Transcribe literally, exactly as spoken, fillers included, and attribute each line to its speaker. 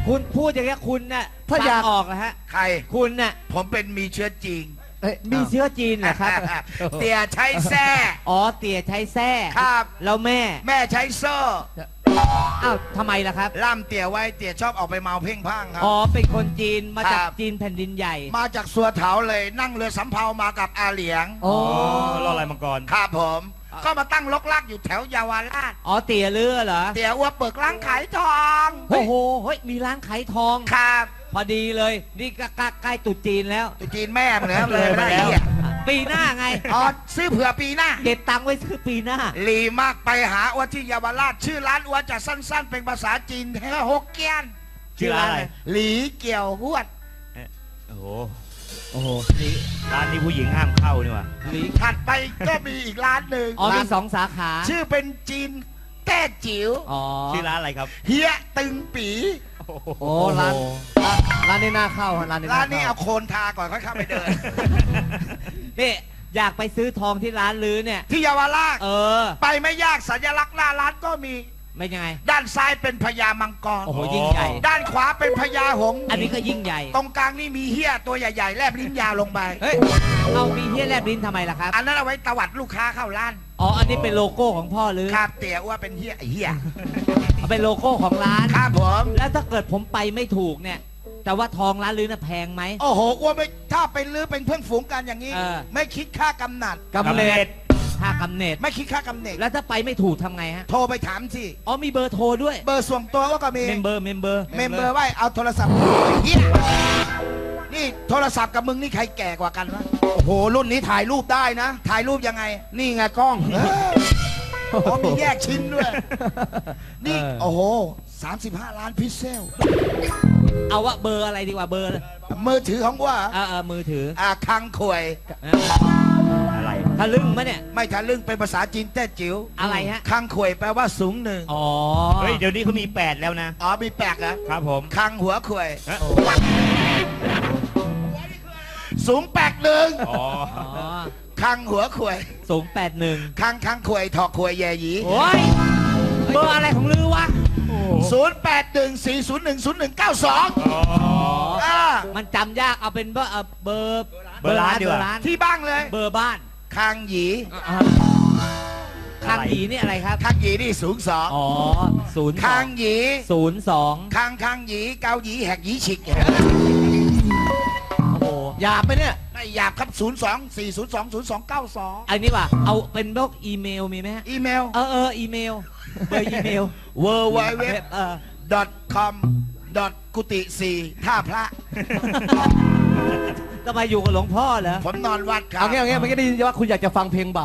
Speaker 1: คุณพูดอย่างนี้คุณน่ะ
Speaker 2: ถ้าอยาก
Speaker 1: ฟังออกนะฮะ
Speaker 3: ใคร
Speaker 1: คุณน่ะ
Speaker 3: ผมเป็นมีเชื้อจีน
Speaker 2: เอ้ย
Speaker 1: มีเชื้อจีนเหรอครับ
Speaker 3: เตี่ยใช้แส้
Speaker 1: อ๋อเตี่ยใช้แส้
Speaker 3: ครับ
Speaker 1: แล้วแม่
Speaker 3: แม่ใช้โซ่
Speaker 1: อ้าวทำไมล่ะครับ
Speaker 3: ล่ามเตี่ยไว้เตี่ยชอบออกไปเมาเพ่งพ่างครับ
Speaker 1: อ๋อเป็นคนจีนมาจาก
Speaker 3: ครับ
Speaker 1: จีนแผ่นดินใหญ่
Speaker 3: มาจากสัวเถาเลยนั่งเรือสำเภามากับอาเหลียง
Speaker 1: อ๋อ
Speaker 4: รออะไรมังกร
Speaker 3: ครับผม ก็มาตั้งลกลากอยู่แถวเยาวราช
Speaker 1: อ๋อเตี่ยเรือเหรอ
Speaker 3: เตี่ยอ้วเปิดร้านขายทอง
Speaker 1: โอ้โหเฮ้ยมีร้านขายทอง
Speaker 3: ครับ
Speaker 1: พอดีเลย นี่ก็ใกล้ใกล้ตรุษจีนแล้ว
Speaker 3: ตุจีนแม่เหมือนเลย
Speaker 4: เลยไป
Speaker 3: ไม่ได้
Speaker 4: แล้ว
Speaker 3: เหี้ย
Speaker 1: ปีหน้าไง
Speaker 3: อ๋อซื้อเผื่อปีหน้า
Speaker 1: เก็บตังค์ไว้ซื้อปีหน้า
Speaker 3: ลีมากไปหาอ้วที่เยาวราช ชื่อร้านอ้วจะสั้น ๆ เป็นภาษาจีนแค่ฮกเกี้ยน
Speaker 4: ชื่อร้านอะไร
Speaker 3: หลีเกี่ยวหวด
Speaker 4: โอ้โห
Speaker 1: โอ้โห
Speaker 4: ร้านนี้ผู้หญิงห้ามเข้านี่ว่ะ
Speaker 3: หลีถัดไปก็มีอีกร้านหนึ่ง
Speaker 1: อ๋อมี
Speaker 3: ร้าน
Speaker 1: สองสาขา
Speaker 3: ชื่อเป็นจีนแต้จิ๋ว
Speaker 1: อ๋อ
Speaker 4: ชื่อร้านอะไรครับ
Speaker 3: เฮียตึงปี
Speaker 2: โอ้ร้านร้านร้านนี้น่าเข้าฮะร้านนี้
Speaker 3: ร้านนี้
Speaker 2: เข้
Speaker 3: เอาโคนทาก่อนค่อยเข้าไปเดิน
Speaker 1: นี่อยากไปซื้อทองที่ร้านลือเนี่ย
Speaker 3: ที่เยาวราช
Speaker 1: เออ
Speaker 3: ไปไม่ยากสัญลักษณ์หน้าร้านก็มี
Speaker 1: ไม่ยังไง
Speaker 3: ด้านซ้ายเป็นพญามังกร
Speaker 1: โอ้โหยิ่งใหญ่
Speaker 3: ด้านขวาเป็นพญาหงส์
Speaker 1: อันนี้ก็ยิ่งใหญ่
Speaker 3: ตรงกลางนี่มีเฮียตัวใหญ่ๆแลบลิ้นยาวลงไป
Speaker 1: เฮ้ย เอามีเฮียแลบลิ้นทำไมล่ะครับ
Speaker 3: อันนั้นเอาไว้ตวัดลูกค้าเข้าร้าน
Speaker 1: อ๋อ อันนี้เป็นโลโก้ของพ่อหรือ
Speaker 3: ครับเตี๋ยว่าเป็นเฮียไอ้เฮีย
Speaker 1: เอาเป็นโลโก้ของร้าน
Speaker 3: ครับผม
Speaker 1: แล้วถ้าเกิดผมไปไม่ถูกเนี่ย แต่ว่าทองร้านลือน่ะแพงไหม
Speaker 3: โอ้โหอ้ว่าไม่ถ้าเป็นลือเป็นเพื่อนฝูงกันอย่างนี้
Speaker 1: เออ
Speaker 3: ไม่คิดค่ากำนัด
Speaker 2: กำเนิด
Speaker 1: ค่ากำเนิด
Speaker 3: ไม่คิดค่ากำเนิด
Speaker 1: แล้วถ้าไปไม่ถูกทำไงฮะ
Speaker 3: โทรไปถามสิ
Speaker 1: อ๋อมีเบอร์โทรด้วย
Speaker 3: เบอร์ส่วนตัวก็มี
Speaker 1: เมมเบอร์เมมเบอร์
Speaker 3: เมมเบอร์ไว้เอาโทรศัพท์เฮียนี่โทรศัพท์กับมึงนี่ใครแก่กว่ากันวะโอ้โหรุ่นนี้ถ่ายรูปได้นะ ถ่ายรูปยังไง นี่ไงกล้องเอออ๋อมีแยกชิ้นด้วย นี่
Speaker 1: เออ
Speaker 3: โอ้โหสามสิบห้าล้านพิกเซล
Speaker 1: เอาว่าเบอร์อะไรดีกว่าเบอร์
Speaker 3: มือถือของว่า
Speaker 1: เออเออมือถือ
Speaker 3: อ่าคังควย
Speaker 1: เออ
Speaker 4: อะไร
Speaker 1: ทะลึ่งมะเนี่ย
Speaker 3: ไม่ทะลึ่งเป็นภาษาจีนแต้จิ๋ว
Speaker 1: อะไรฮะ
Speaker 3: คังควยแปลว่าสูงหนึ่ง
Speaker 1: อ๋อ
Speaker 4: เฮ้ย เดี๋ยวนี้เขามีแปดแล้วนะ
Speaker 3: อ๋อมีแปลกเหรอ
Speaker 4: ครับผม
Speaker 3: คังหัวควย
Speaker 4: เอ๊ะ
Speaker 3: สูงแปลกหนึ่ง
Speaker 4: อ๋อ
Speaker 1: อ๋อ
Speaker 3: คังหัวควย
Speaker 1: สูงแปดหนึ่ง
Speaker 3: คังคังควยถอกควยแย่หยี
Speaker 1: โอ้ย เบอร์อะไรของลือวะ
Speaker 3: ศูนย์แปดหนึ่งสี่ศูนย์หนึ่งศูนย์หนึ่งเก้าสอง
Speaker 4: อ๋อ
Speaker 3: อ่า
Speaker 1: มันจำยาก เอาเป็นเบอร์เอ่อเบอร์
Speaker 4: เบอร์ร้านดีกว่า
Speaker 1: เบอร์ร้าน
Speaker 3: ที่บ้างเลย
Speaker 1: เบอร์บ้าน
Speaker 3: คังหยี
Speaker 1: อ่าข้างหยีนี่อะไรครับ
Speaker 3: คังหยีนี่สูงสอง
Speaker 1: อ๋อศูนย์สอ
Speaker 3: คั
Speaker 1: ง
Speaker 3: งหยี
Speaker 1: ศูนย์สอง
Speaker 3: คังคังหยีเกาหยีแหกหยีฉิก
Speaker 1: โอ้โห
Speaker 2: หยาบไปเนี่ย
Speaker 3: ไม่หยาบครับศูนย์สองสี่ศูนย์สองศูนย์สองเก้าสอง
Speaker 1: อันนี้ว่ะเอาเป็นพวกอีเมลมีไหมฮะ
Speaker 3: อีเมล
Speaker 1: เออเอออีเมล เบอร์อีเมล
Speaker 3: w w w
Speaker 1: เออ
Speaker 3: com กุฏิสี่ท่าพระ
Speaker 1: จะมาอยู่กับหลวงพ่อเหรอ
Speaker 3: ผมนอนวัดครับ
Speaker 2: เอางี้เอางี้เมื่อกี้ได้ยินว่าคุณอยากจะฟังเพลงบา